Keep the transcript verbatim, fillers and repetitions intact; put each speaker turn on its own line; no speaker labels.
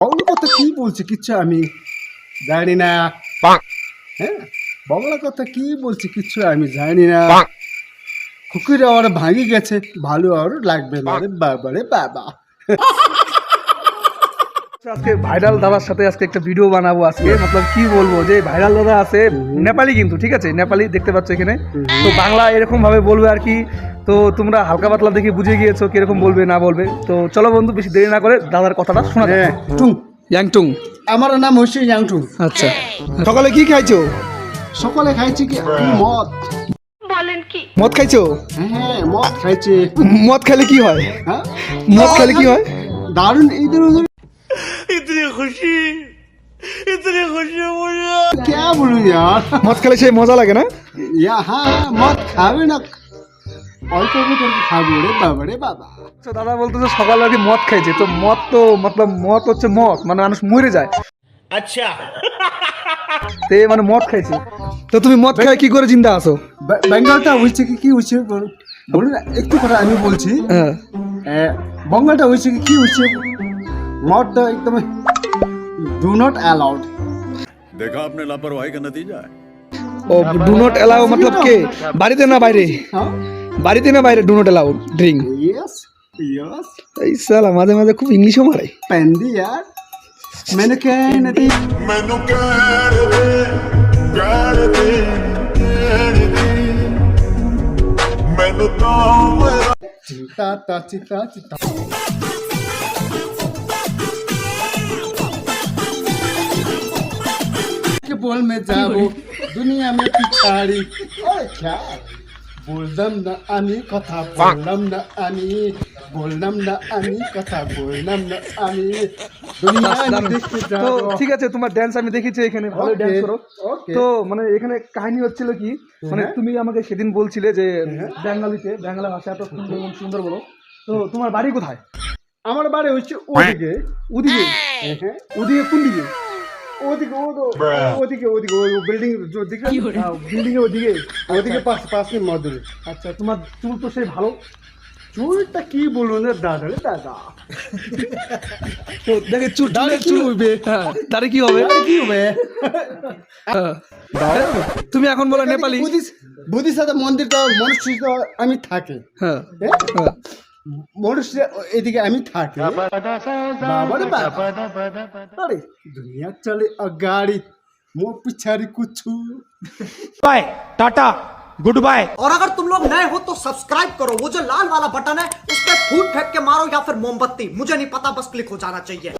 বাংলা কথা কি বলছে কিচ্ছু আমি জানি না। হ্যাঁ, বাংলা কথা কি বলছে কিচ্ছু আমি জানি না। কুকুর আর ভাঙি গেছে, ভালো আর লাগবে না রে বাবা রে বাবা।
আজকে ভাইরাল দাদার সাথে আজকে একটা ভিডিও বানাবো আজকে, মতলব কি বলবো যে ভাইরাল দাদা আছে নেপালি, কিন্তু ঠিক আছে নেপালি দেখতে পাচ্ছ এখানে, তো বাংলা এরকম ভাবে বলবে আর কি। তো তোমরা হালকা পাতলা দেখে বুঝে গিয়েছো কিরকম বলবে না বলবে। তো চলো বন্ধু, বেশি দেরি না করে দাদার কথাটা শোনা যায়।
হ্যাঁ, টুং,
ইয়াংটুং,
আমার নাম হচ্ছে ইয়াংটুং।
আচ্ছা, সকালে কি খাইছো?
সকালে খাইছি কি মদ।
মদ খাইছো?
হ্যাঁ, মদ খাইছি।
মদ খেলে কি হয়?
হ্যাঁ,
মদ খেলে কি হয়?
দারুণ ইধর উধর
इतनी खुशी इतनी खुशी मुझे
क्या बोलूं यार।
মদ খেলে সেই মজা লাগে না?
या हाँ हाँ, मत खावे ना, অল্প অল্প করে খাবো রে বাবা রে বাবা।
তো দাদা বলতেছে সকালে আর কি মদ খাইছে, তো মদ তো মতলব মদ হচ্ছে মদ, মানে মানুষ মরে যায়।
अच्छा
তো এই মানে মদ খাইছে, তো তুমি মদ খাই কি করে জিন্দা আছো?
বে- বেঙ্গলটা হয়েছে কি কি হয়েছে বল- বলুন না, একটু কথা আমি বলছি।
হ্যাঁ,
এ, বঙ্গলটা হয়েছে কি কি হয়েছে, মদটা একদম ডু নট অ্যালাউড।
देखा आपने लापरवाही का नतीजा है।
ও ডু নট এলাও মতলব কে বাড়িতে না বাইরে?
হ্যাঁ,
বাড়িতে না বাইরে do not allow drink.
Yes yes,
এই সালা মাঝে মাঝে খুব ইংলিশও মারে।
পেন্দি यार, मैंने कहना थी
मैनू कह दे कह दे मैनू तो मेरा
चिंता ता चिंता चिंता के बोल में जाबो दुनिया में पिछाड़ी। ओए क्या বললাম না আমি কথা বললাম না আমি বললাম না আমি কথা বললাম না আমি দুনিয়া দেখতে
তো
যাবো।
ঠিক আছে, তোমার ড্যান্স আমি দেখেছি এখানে, ভালো
Okay,
ড্যান্স করো।
okay.
তো মানে এখানে কাহিনী হচ্ছিল কি, মানে
হ্যাঁ।
তুমি আমাকে সেদিন বলছিলে যে
হ্যাঁ।
বাঙালিতে বাংলা ভাষা এত সুন্দর এবং সুন্দর বলো, তো তোমার বাড়ি কোথায়?
আমার বাড়ি হচ্ছে ওদিকে।
ওদিকে?
হ্যাঁ,
ওদিকে কোন দিকে?
ওদিকে ও- ওদিকে ওদিকে ওই বিল্ডিং দিকে
বিল্ডিং এর ওদিকে?
ওদিকে পাশ পাশে মধুর।
আচ্ছা, তোমার চুল তো সেই ভালো।
চুলটা কি বলবো না দাদা রে দাদা,
তো দেখে চুল
দাঁড়ে
চুল
কি হইবে?
হ্যাঁ, তারে কি হবে?
কি হবে?
হ্যাঁ। তুমি এখন বলো নেপালি।
বুদ্ধিস্ট বুদ্ধিস্ট সাথে মন্দির তো মনুষ্য তো আমি থাকি।
হ্যাঁ,
হ্যাঁ?
হ্যাঁ।
মনুষ্য এদিকে আমি থাকি। বাবা রে বাবা, আরে দুনিয়া চলে अगाड़ी মো পিছাড়ি কুছু।
Bye tata good bye.
और अगर तुम लोग नए हो तो सब्सक्राइब करो, वो जो लाल वाला बटन है उस पर फूट फेंक के मारो या फिर मोमबत्ती, मुझे नहीं पता, बस क्लिक हो जाना चाहिए।